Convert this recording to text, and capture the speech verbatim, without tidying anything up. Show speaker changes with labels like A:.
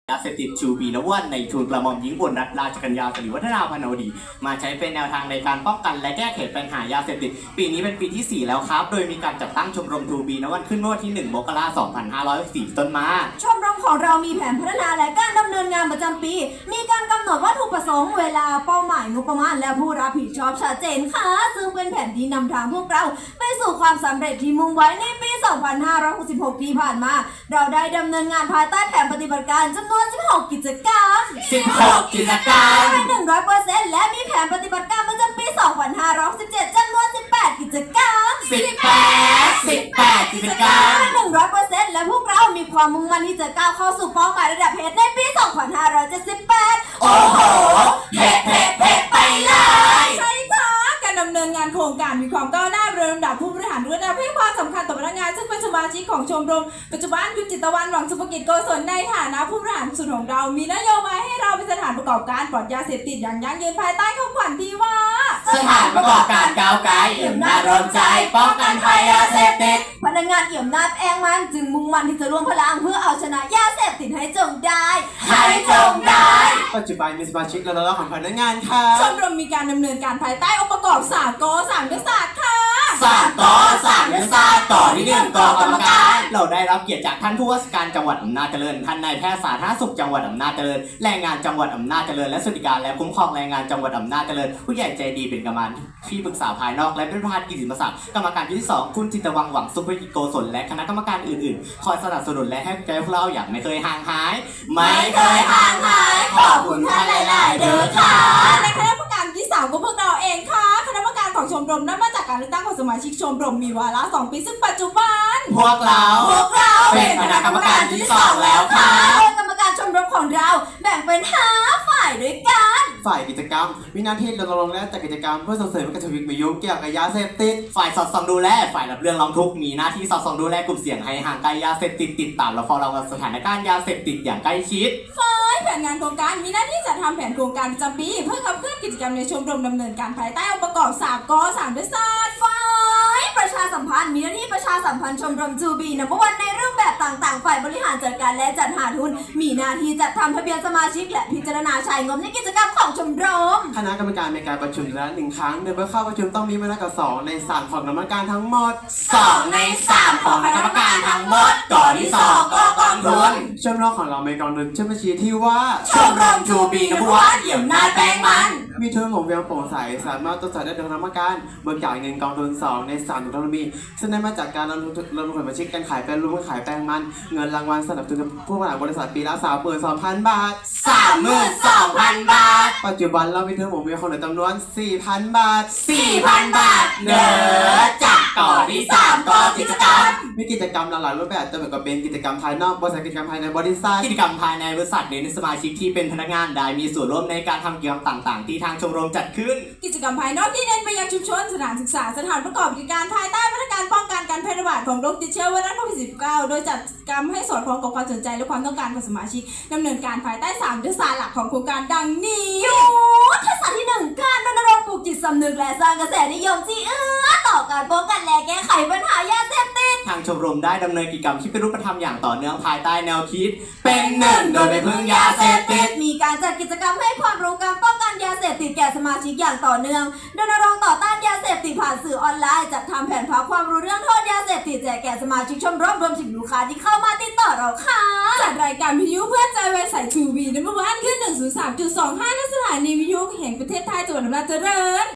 A: ยาเสพติดชูบีนวันในทุนกระหม่อมหญิงอุบลรัตนราชกัญญาสิริวัฒนาพนวดีมาใช้เป็นแนวทางในการป้องกันและแก้ไขปัญหายาเสพติดปีนี้เป็นปีที่สี่แล้วครับโดยมีการจัดตั้งชมรมทูบีนวันขึ้นเมื่อวันที่หนึ่งมกราคมสองพันห้าร้อยสี่ต้นมา
B: ชมรมของเรามีแผนพัฒนาและการดำเนินงานประจำปี มีการกำหนดวัตถุประสงค์เวลาเป้าหมายงบประมาณและผู้รับผิดชอบชัดเจนค่ะซึ่งเป็นแผนที่นำทางพวกเราไปสู่ความสำเร็จที่มุ่งไว้ในปี สองพันห้าร้อยหกสิบหก ที่ผ่านมาเราได้ดำเนินงานภายใต้แผนปฏิบัติการจำนวนสิบหกกิจกรรม
A: สิบหกกิจกรรม
B: เป็น หนึ่งร้อยเปอร์เซ็นต์ และมีแผนปฏิบัติการประจำปี สองพันห้าร้อยสิบเจ็ด จำนวน สิบแปด กิจกรรม
A: สิบแปด สิบแปด กิจกรรม
B: เป็น หนึ่งร้อยเปอร์เซ็นต์ และพวกเรามีความมุ่งมั่นที่จะก้าวเข้าสู่เป้าหมายระดับเพชรในปี สองพันห้าร้อยเจ็ดสิบแปด
A: โอ้โหเพชรเพชรเพชรไปเลย
C: ใช่ค่ะการดำเนินงานโครงการมีความก้าวหน้าโดยลำดับผู้บริหารระดับให้ความสำคัญต่อพนักงานซึ่งเป็นสมาชิกของชมรมปัจจุบันคุณจิตตะวันหวังสุภกิจโกศลในฐานะผู้บริหารสุดของเรามีนโยบายให้เราเป็นสถานประกอบการปลอดยาเสพติดอย่างยั่งยืนภายใต้คำขวัญที่ว่า
A: สถานประกอบการก้าวไกลเอี่ยมน่ารมใจป้องกันภัยยาเสพติด
B: พนักงานเอี่ยมนาจแองมันจึงมุ่งมั่นที่จะร่วมพลังเพื่อเอาชนะยาเสพติดให้จงได้
A: ให้จงได้
D: ปัจจุบันมีสมาชิกและน้องๆของพนักงานค่ะ
C: ชมรมมีการดำเนินการภายใต้องค์ประกอบสามกสามยุทธศาสตร์ค่ะ
A: สามกสามยุทธศาสตร์ต่อที่หนึ่งกกรรมการเราได้รับเกียรติจากท่านผู้ว่าราชการจังหวัดอำนาจเจริญท่านนายแพทย์สาธารณสุขจังหวัดอำนาจเจริญแรงงานจังหวัดอำนาจเจริญและสวัสดิการและคุ้มครองแรงงานจังหวัดอำนาจเจริญผู้ใหญ่ใจดีเป็นกรรมการที่ปรึกษาภายนอกและเป็นประธานกิตติมศักดิ์กรรมการที่สองคุณจิตวังหวังสุภกิจโกศลและคณะกรรมการอื่นๆคอยสนับสนุนและให้ใจพวกเราอย่างไม่เคยห่างหายไม่เคยห่างหายขอบคุณท่านหลายๆเด้อค่ะ
C: และคณะกรรมการที่สามก็พวกเราเองค่ะคณะกรรมการของชมรมนั้นมาจากการเลือกตั้งของสมาชิกชมรมมีวาระสองปีซึ่งปัจจุบัน
A: พวกเรา
C: พวกเรา
A: เป็นคณะกรรมการที่สองแล้วค่ะ
B: โดยกรรมการชมรมของเราแบ่งเป็นห้าฝ่ายด้วยกัน
D: ฝ่ายกิจกรรมมีหน้าที่รณรงค์และจัดกิจกรรมเพื่อส่งเสริมการทวิมียุ่งเกี่ยวกับยาเสพติด
A: ฝ่ายสอดส่องดูแลฝ่ายรับเรื่องร้องทุกข์มีหน้าที่สอดส่องดูแลกลุ่มเสี่ยงให้ห่างไกลยาเสพติดติดตามและเฝ้าระวังสถานการณ์ยาเสพติดอย่างใกล้ชิด
C: ฝ่ายแผนงานโครงการมีหน้าที่จัดทำแผนโครงการประจำปีเพื่อขับเคลื่อนกิจกรรมในชมรมดำเนินการภายใต้องค์ประกอบสามกสามยุทธศาสตร์
B: ฝ่ายประชาสัมพันธ์มีหน้าที่ประชาสัมพันธ์ชมรมทูบีนัมเบอร์วันในรูปแบบต่างๆฝ่ายบริหารจัดการและจัดหาทุนมีหน้าที่จัดทำทะเบียนสมาชิกและพิจารณาใช้งบในกิจกรรมของชมรม
D: คณะกรรมการมีการประชุมละหนึ่งครั้งโดยเมื่อเข้าประชุมต้องมีมากกว่าสองในสามของกรรมการทั้งหมด
A: สองในสามของคณะกรรมการทั้งหมดก่อนที่สองก็กองทุน
D: ชมรมของเรามีกองทุนชื่อบัญชีที่ว่า
A: ชมรมทูบีนัมเบอร์วันเอี่ยมนาจแปลงมัน
D: มีทุนหมุนเวียนโปร่งใสสามารถตรวจสอบได้โดยคณะกรรมการเบิกจ่ายเงินกองทุนสองในสามของกองทุนมีซึ่งได้มาจากการลงทุนลงทุนบัญชีการขายแปลงรูปขายแปลงมันเงินรางวัลสนับสนุนผู้บริหารบริษัทปีละ สามหมื่นสองพัน บาท
A: สามหมื่นสองพัน บาท
D: ปัจจุบันเรามีทุนหมุนเวียนของเหลือจำนวน สี่พัน บาท
A: สี่พัน บาทเด้อจากต่อที่สามก็กิจกรรม
D: มีกิจกรรมหลายรูปแบบจะเหมือนกับเป็นกิจกรรมภายนอกบริษัทกิจกรรมภายในบริษัท
A: กิจกรรมภายในบริษัทเน้นสมาชิกที่เป็นพนักงานได้มีส่วนร่วมในการทำกิจกรรมต่างๆที่ทางชมรมจัดขึ้น
C: กิจกรรมภายนอกที่เน้นไปยังชุมชนสถานศึกษาสถานประกอบกิจการภายใต้มาตรการป้องกันการแพร่ระบาดของโรคติดเชื้อไวรัสโควิด สิบเก้า โดยจัดกิจกรรมให้สอดคล้องกับความสนใจและความต้องการของสมาชิกดำเนินการภายใต้สามยุทธศาสตร์หลักของโครงการดังนี้
B: ยุทธศาสตร์ที่หนึ่งการรณรงค์ปลูกจิตสำนึกและสร้างกระแสนิยมที่เอื้อต่อการป้องกันและแก้ไขปัญหายาเสพติด
A: ทางชมรมได้ดำเนินกิจกรรมที่เป็นรูปธรรมอย่างต่อเนื่องภายใต้แนวคิดเป็นหนึ่งโดยไม่พึ่งยาเสพติด
B: มีการจัดกิจกรรมให้ความรู้การป้องกันยาเสพติดแก่สมาชิกอย่างต่อเนื่องรณรงค์ต่อต้านยาเสพติดผ่านสื่อออนไลน์จัดทำแผนพักความรู้เรื่องโทษยาเสพติดแจกแก่สมาชิกชมรมรวมถึงลูกค้าที่เข้ามาติดต่อเราค่ะ
C: จัดรายการวิทยุเพื่อใจไวใสทูบีนัมเบอร์วันขึ้นหนึ่งศูนย์สามจุดสองห้าณสถานีวิทยุแห่งประเทศไทยจังหวัดอำนาจเจริญ